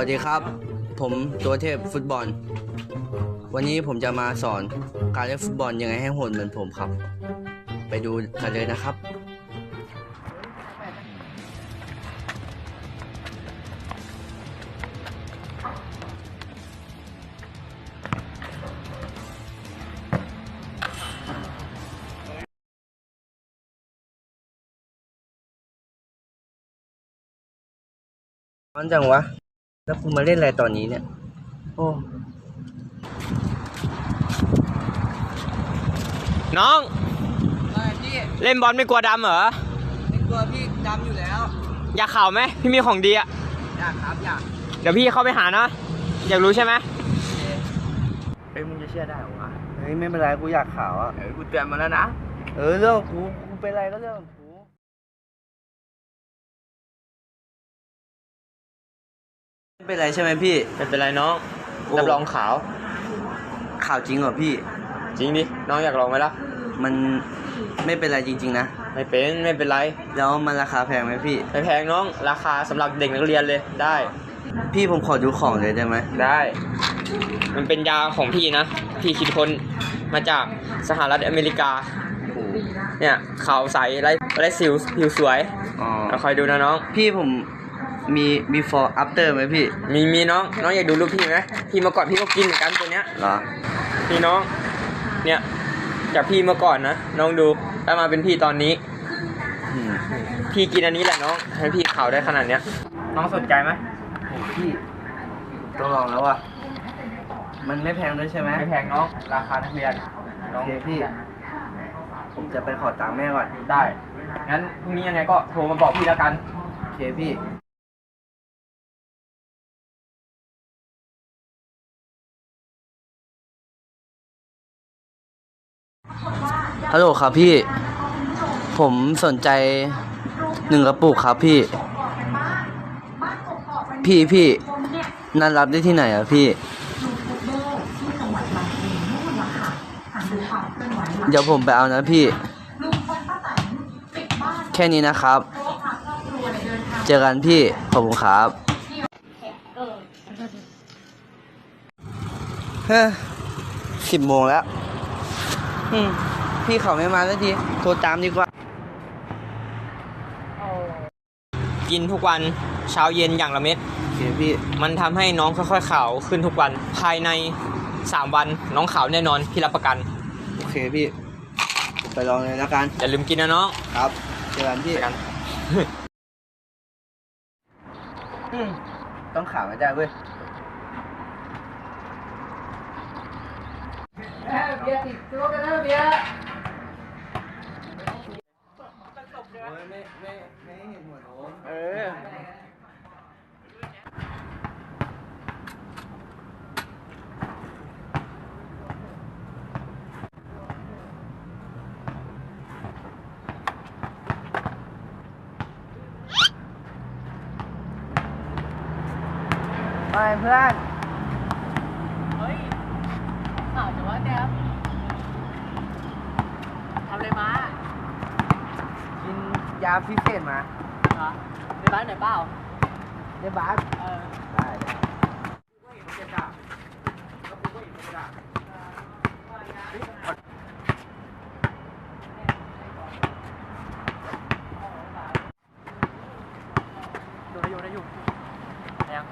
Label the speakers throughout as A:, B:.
A: วัสดีครับผมตัวเทพฟุตบอลวันนี้ผมจะมาสอนการเล่นฟุตบอลยังไงให้โหดเหมือนผมครับไปดูกันเลยนะครับร้อนจังวะแล้วคุณมาเล่นอะไรตอนนี้เนี่ยโอ้
B: น้อง
A: พี่
B: เล่นบอลไม่กลัวดำเหรอ
A: ไม่กลัวพี่ดำอยู่แล้ว
B: อยากเข่าไหมพี่มีของดีอะ
A: อยากครับอยาก
B: เดี๋ยวพี่เข้าไปหานะอยากรู้ใช่ไหม
A: เฮ้ยมึงจะเชื่อได้หรอวะเฮ้ยไม่เป็นไรกูอยากข่าวอ่ะ
B: กูเตือนมาแล้วนะ
A: เรื่องกูเป็นไรก็เรื่องกูไม่เป็นไรใช่ไหมพี่
B: ไม่เป็นไรน้องรับรองขาว
A: ข่าวจริงเหรอพี่
B: จริงดิน้องอยากลองไหมล่ะ
A: มันไม่เป็นไรจริงๆนะ
B: ไม่เป็นไร
A: แล้วมันราคาแพงไหมพี่
B: ไม่แพงน้องราคาสำหรับเด็กนักเรียนเลยได้
A: พี่ผมขอดูของเลยได้ไหม
B: ได้มันเป็นยาของพี่นะพี่คิดค้นมาจากสหรัฐอเมริกาเนี่ยขาวใสไร้สิวผิวสวยเราคอยดูนะน้อง
A: พี่ผมมี before after ไหมพี่
B: มีน้องอยากดูรูปพี่ไหมพี่เมื่อก่อนพี่ก็กินเหมือนกันตัวเนี้ย
A: เหรอ
B: พี่น้องเนี่ยจากพี่เมื่อก่อนนะน้องดูแล้วมาเป็นพี่ตอนนี้พี่กินอันนี้แหละน้องให้พี่ขาวได้ขนาดเนี้ยน้องสนใจไหม
A: พี่ต้องลองแล้วอ่ะมันไม่แพงด้วยใช่ไหม
B: ไม่แพงน้องราคานักเรียน
A: น้องพี่ผมจะไปขอตังค์แม่ก่อน
B: ได้งั้นพรุ่งนี้ยังไงก็โทรมาบอกพี่แล้วกัน
A: โอเคพี่ฮัลโหลครับพี่ผมสนใจ1 กระปุกครับพี่นั่นรับได้ที่ไหนอ่ะพี่เดี๋ยวผมไปเอานะพี่แค่นี้นะครับเจอกันพี่ขอบคุณครับ10 โมงแล้วพี่เขาไม่มาสักทีโทรตามดีกว่า
B: กินทุกวันเช้าเย็นอย่างละเม็ด
A: โอเคพี่
B: มันทำให้น้องค่อยๆขาวขึ้นทุกวันภายใน3 วันน้องขาวแน่นอนพี่รับประกัน
A: โอเคพี่ไปลองเลยแล้วกัน
B: อย่าลืมกินนะน้อง
A: ครับเจอกันพี่ต้องขาวไม่ได้เว้ยเบียร์ติดตัวกันแล้วเบียร์ไม่เห็นหัวโน้มไปเพื่อน
C: เฮ้ยข่าวแต่ว่าแกทำอะไรมา
A: กินยาพิเศษมา
C: เหรอในบ้านไหนเปล่า
A: ในบ้านได้
C: อยู่ยัง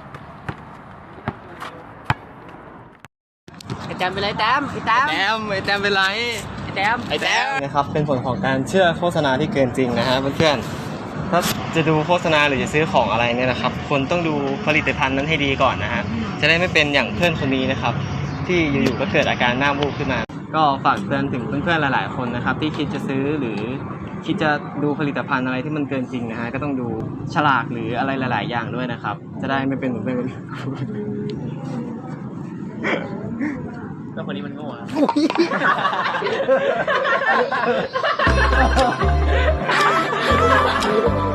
C: ไอ้แต้มเป็นไรแต้มไอ้แต้ม
B: เป็นไร
C: ไอ้แต้ม
D: นะครับเป็นผลของการเชื่อโฆษณาที่เกินจริงนะฮะเพื่อนๆถ้าจะดูโฆษณาหรือจะซื้อของอะไรเนี่ยนะครับคนต้องดูผลิตภัณฑ์นั้นให้ดีก่อนนะฮะจะได้ไม่เป็นอย่างเพื่อนคนนี้นะครับที่อยู่ๆก็เกิดอาการหน้าบูบขึ้นมาก็ฝากเตือนถึงเพื่อนๆหลายๆคนนะครับที่คิดจะซื้อหรือคิดจะดูผลิตภัณฑ์อะไรที่มันเกินจริงนะฮะก็ต้องดูฉลากหรืออะไรหลายๆอย่างด้วยนะครับจะได้ไม่เป็นเหมือนเพื่อน
B: แล้วคนนี้มันโง่อะ